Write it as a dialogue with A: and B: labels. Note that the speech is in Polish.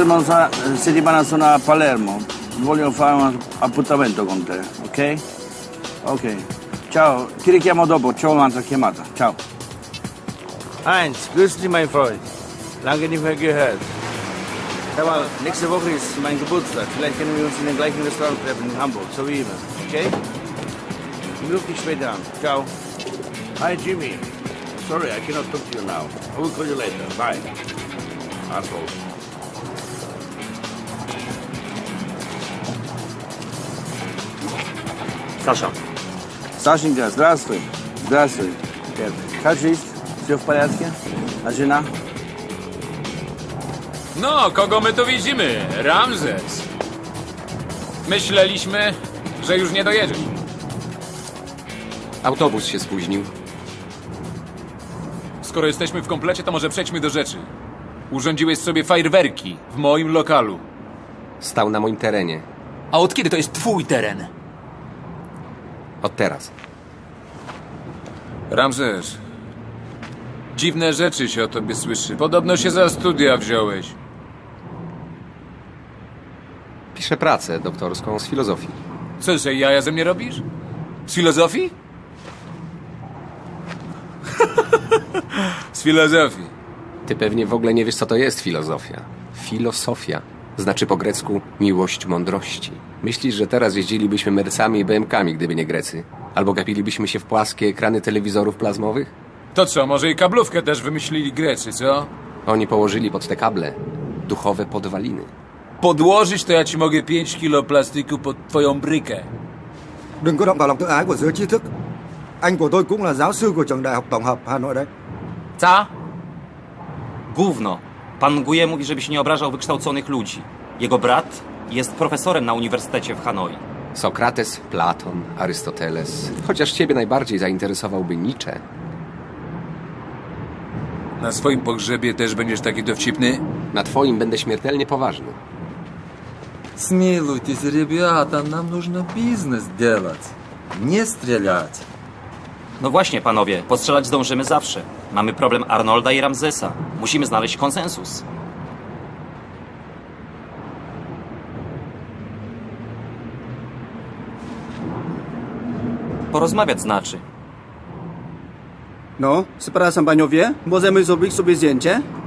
A: settimana sono a Palermo. Voglio fare un appuntamento con te, ok? Ok. Ciao, ti richiamo dopo, c'ho un'altra chiamata. Ciao. Heinz, grüß dich, mein Freund. Lange nicht mehr gehört. Sag mal, nächste Woche ist mein Geburtstag. Vielleicht können wir uns in dem gleichen Restaurant treffen in Hamburg, so wie immer. Okay? Ich rufe dich später an. Ciao. Hi, Jimmy. Sorry, I cannot talk to you now. I will call you later. Bye. Asshole.
B: Саша.
A: Сашенька, здравствуй. Здравствуй. Как жизнь? Все в порядке? А жена?
C: No, kogo my tu widzimy? Ramzes. Myśleliśmy, że już nie dojedziesz.
B: Autobus się spóźnił.
C: Skoro jesteśmy w komplecie, to może przejdźmy do rzeczy. Urządziłeś sobie fajerwerki w moim lokalu.
B: Stał na moim terenie.
D: A od kiedy to jest twój teren?
B: Od teraz.
C: Ramzes, dziwne rzeczy się o tobie słyszy. Podobno się za studia wziąłeś.
B: Piszę pracę doktorską z filozofii.
C: Co, że jaja ze mnie robisz? Z filozofii? Z filozofii.
B: Ty pewnie w ogóle nie wiesz, co to jest filozofia. Filosofia znaczy po grecku miłość mądrości. Myślisz, że teraz jeździlibyśmy Mercami i BM-kami, gdyby nie Grecy? Albo gapilibyśmy się w płaskie ekrany telewizorów plazmowych?
C: To co, może i kablówkę też wymyślili Grecy, co?
B: Oni położyli pod te kable duchowe podwaliny.
C: Podłożyć to ja ci mogę 5 kilo plastiku pod twoją brykę.
E: Đừng có động vào lòng tự ái của giới trí thức. Anh của tôi cũng là giáo sư của trường Đại học Tổng hợp Hà Nội đấy.
D: Co?
F: Gówno. Pan Guje mówi, żebyś nie obrażał wykształconych ludzi. Jego brat jest profesorem na uniwersytecie w Hanoi.
B: Sokrates, Platon, Arystoteles. Chociaż ciebie najbardziej zainteresowałby Nietzsche.
C: Na swoim pogrzebie też będziesz taki dowcipny?
B: Na twoim będę śmiertelnie poważny.
G: Смилуйтесь, ребята, нам нужно бизнес делать, не стрелять.
F: No właśnie, panowie, postrzelać zdążymy zawsze. Mamy problem Arnolda i Ramzesa. Musimy znaleźć konsensus. Porozmawiać znaczy.
E: No, przepraszam panowie, możemy zrobić sobie zdjęcie?